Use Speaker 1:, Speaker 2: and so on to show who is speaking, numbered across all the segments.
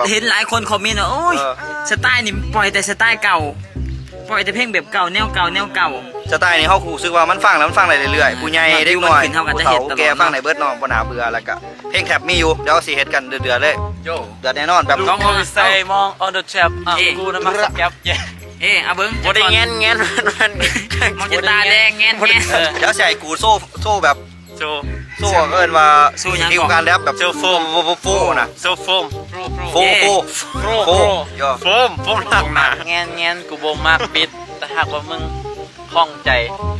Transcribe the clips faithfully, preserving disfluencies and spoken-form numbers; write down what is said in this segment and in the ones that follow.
Speaker 1: เห็นหลายคนคอมเมนต์ว่าโอ้ยสไตล์นี่ปล่อยแต่สไตล์เก่าปล่อยแต่เพลงแบบเก่าแนวเก่าแนวเก่า
Speaker 2: สไตล์นี้เขาคูรู้สึกว่ามันฟังแล้วมันฟังได้เรื่อยๆผู้ใหญ่เด็กน้อยผู้เฒ่าแก่ฟังในเบิร์ดน้องบ่น่าเบื่อแล้วก็เพลงแคปมีอยู่เดี๋ยวสิเฮ็ดกันเดือดๆเลยเดือดแน่นอนแบบ
Speaker 3: ต้องใส่มอง on the trap อ่ะกูนะมาสักแก๊ป
Speaker 1: เอ๊ะเอาเบิ้ง
Speaker 3: บ่ได้แงนแงนมัน
Speaker 1: มองจะตาแดงแงนแงน
Speaker 2: เดี๋ยวใส่กูโซ่โซ่แบบ
Speaker 3: โซ
Speaker 2: โซ่เอิ้นว่าทีมการแรปแบบ
Speaker 3: โซโฟม
Speaker 2: โฟน่ะ
Speaker 3: โซโฟม
Speaker 2: โฟโฟโฟย่อ
Speaker 3: โฟมโฟมหนักหนาแงนแงนกูบ่มากปิดแต่หากว่ามึงคล่องใจ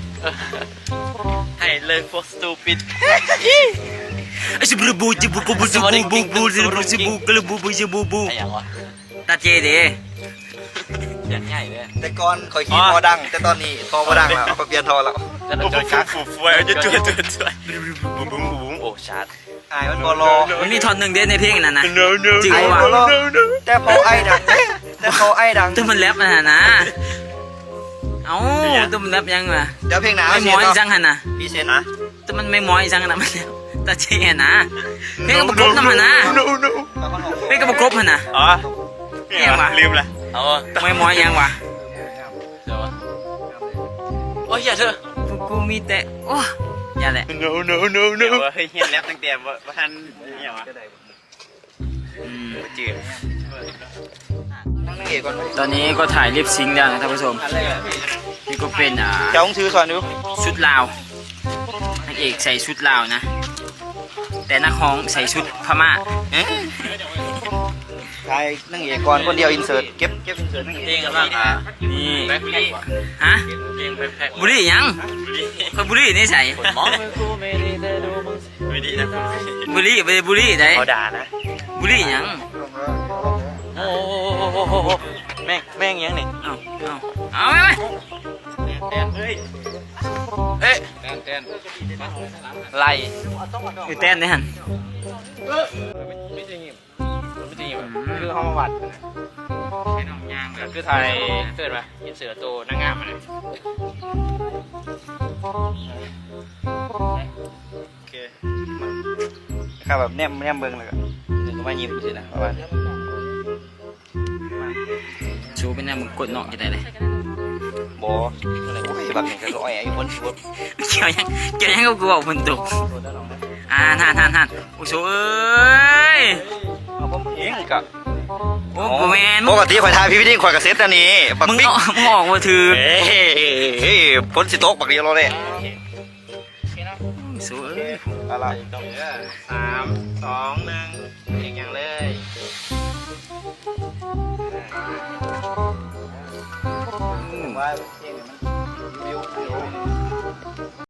Speaker 3: ให้เลยพวกสตูปิด
Speaker 1: ไอ้สิบูบูจิบูบูบูบูบูบูจิบูจิบูกระบูบูจิบูบู
Speaker 3: ไอ้ยังวะ
Speaker 1: ตาเจเด้
Speaker 3: เสียงใหญ่เลย
Speaker 2: แต่ก่อนคอยขี้พอดังแต่ตอนนี้พอบ่ดังแล้วเขาเปลี่ยนทอแล้ว
Speaker 3: จะโดนกักฟูฟูจะจุดจุดจุดบุ้มบุ้มบุ้มโอ้ชาร์จ
Speaker 2: อายมันบ่รอ
Speaker 1: มันมีท่อนหนึ่งเด้ในเพลงนั้นนะ
Speaker 2: จริงว่ะแต่พอไอ้ดังแต่พอไอ้ดัง
Speaker 1: แต่มันแรปนะนะเอ้าตัวมันแรปยังวะ
Speaker 2: เดี๋ยวเพลงหนา
Speaker 1: ไม่มอยจังหันนะ
Speaker 2: พี่เซนนะ
Speaker 1: แต่มันไม่มอยจังนะมันแล้วตาเจนะเพลงกับประกบน้ำหันนะเพลงกับประกบหันนะ
Speaker 3: อ๋อยังวะลืมละอ๋อ
Speaker 1: ไม่มอยยังวะ
Speaker 3: เดี๋ยวโอ้ยอย่าเถอะ
Speaker 1: กูมีแต่โอ้อย่าแหละ
Speaker 3: no no no no เฮ้ยเฮียนแรปตั้งแต่ว่าท่านเนี่ยวะ
Speaker 1: อืม
Speaker 3: จืด
Speaker 1: ตอนนี้ก็ถ่ายลิปซิงค์แล้วนะท่านผู้ชมนี่ก็เป็นอ่า
Speaker 2: เจ้าชื่อสอนดู
Speaker 1: ชุดลาวนักเอกใส่ชุดลาวนะแต่นักร้องใส่ชุดพม่า
Speaker 2: ถ่ายนั่งเอกก่อนคนเดียวอินเสิร์ตเก็บเก็บอินเสิร์ตนั่งเอก
Speaker 3: เพลงกันบ้างอ่ะ
Speaker 1: นี่
Speaker 3: แบ็คแพ็ค
Speaker 1: ฮะ
Speaker 3: เพลงแบ็คแพ็ค
Speaker 1: บุรียังคนบุรีนี่ใส่
Speaker 3: มองกูไม่ดีแต่ดูมึงไม่ดีนะ
Speaker 1: บุรีไปบุรีไหน
Speaker 3: เขาด่านะ
Speaker 1: บุรียัง
Speaker 3: โอ้โหแม่งแม่งยังนี่
Speaker 1: เอาเอาเอาไหมไหม
Speaker 3: เต้นเฮ้ยเอ๊ะเต้นเต้นไล่
Speaker 1: คือเต้นนี่ฮัน
Speaker 3: ไม่จริงไม่จริงคือห้องวัดคือไทยเกิดมายินเสือโตนางงามมาเลย
Speaker 2: โอเคครับแบบแนมแนมเบิ้งเลยก็ถึงก็มายิ้มสินะประมาณ
Speaker 1: ชูเป็นแนวมึงกดเนาะจะได้เลย
Speaker 2: บออะไรโอ้ยแบบนี้ก็อ้อยไอ้คนชัว
Speaker 1: เกี่ยวยังเกี่ยวยังก็กลัวฝนตกอ่าท่านท่านท่านโอ้โหเอ้ย
Speaker 2: เอาผมเองกับ
Speaker 1: โอ้โหแมน
Speaker 2: ปกติข่อยทายพี่พี่ดิ้งข่อยกับเซตอันนี้
Speaker 1: ปักปิ๊กมึงออกมาถือ
Speaker 2: เฮ้ยพ้นสิโต๊ะปักเดียวเราเลย
Speaker 1: สวย
Speaker 2: อะไร
Speaker 3: สามสองหนึ่งเก่งอย่างเลย
Speaker 2: ว่าเพลงมัน